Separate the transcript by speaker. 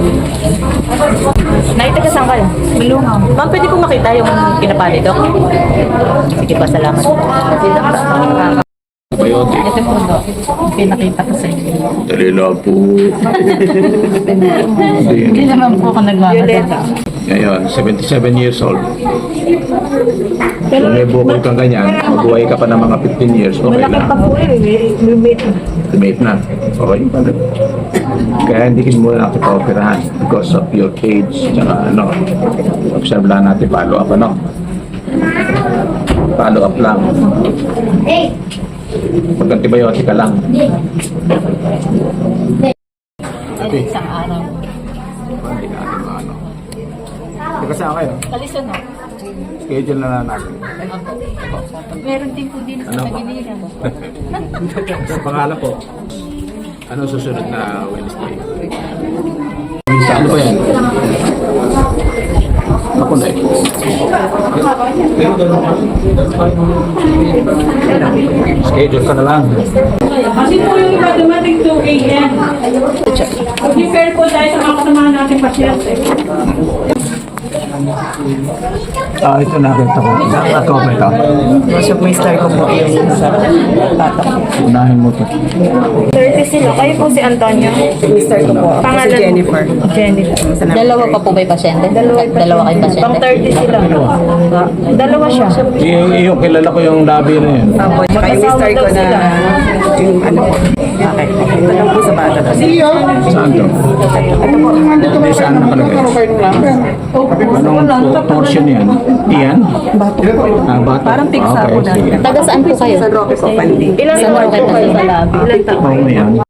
Speaker 1: Naitaga saan kayo? Malungaw. Ma'am, pwede po makita yung pinapali, Dok? Sige pa, salamat.
Speaker 2: Biotic.
Speaker 1: Ito po, Dok. Pinakita ko sa inyo.
Speaker 2: Dali lang po.
Speaker 1: Hindi naman po ako nagmamadala.
Speaker 2: Ngayon, 77 years old. Kung may bukol kang ganyan, mabuhay ka pa ng mga 15 years, okay lang. Mate na. Okay pa rin. Kaya hindi kin muna natin pa-operahan because of your age, tsaka ano, observe lang natin, follow up, ano? Follow up lang. Pag-antibiotic ka lang.
Speaker 1: Ay, isang araw.
Speaker 2: Hindi natin maano. Teka sa akin,
Speaker 1: Kaliso na.
Speaker 2: schedule na lang natin.
Speaker 1: Meron din po din sa
Speaker 2: Ano?
Speaker 1: Pagiliran.
Speaker 2: Sa pangalan po, ano susunod na Wednesday? Ano ba yan? Ako na eh. Schedule ka na lang.
Speaker 3: Kasi po yung iba dumating 2 a.m. Prepare po tayo sa mga kasamahan natin pasyente.
Speaker 2: Ito nakita ko. Ako ba ito?
Speaker 4: Bishop Master ko po yung sa tatak.
Speaker 2: Unahin mo ito.
Speaker 1: 30 sila. Kayo po si Antonio.
Speaker 4: Mister ko po. Ako si Jennifer.
Speaker 1: Jennifer.
Speaker 5: Dalawa pa po ba yung pasyente? Dalawa kayong pasyente?
Speaker 1: Pang 30 sila. Dalawa siya.
Speaker 2: Yung kilala ko yung labi na yun.
Speaker 4: Apo, tsaka yung mister ko na yung ano po. Okay. Ito lang po sa bata.
Speaker 2: Saan to?
Speaker 4: Ito po.
Speaker 2: Hindi, saan nakalagay? Anong portion yan? Iyan?
Speaker 4: Bato.
Speaker 2: Bato.
Speaker 4: Parang pigsa po
Speaker 2: Okay, sige.
Speaker 4: natin.
Speaker 5: Taga saan po kayo?
Speaker 4: Sa Roque po, Pandi.
Speaker 1: Ilan
Speaker 5: Saan
Speaker 1: taon
Speaker 5: po kayo
Speaker 1: po kayo?
Speaker 5: sa labi?
Speaker 1: Ilan taon?
Speaker 2: Oo, yan.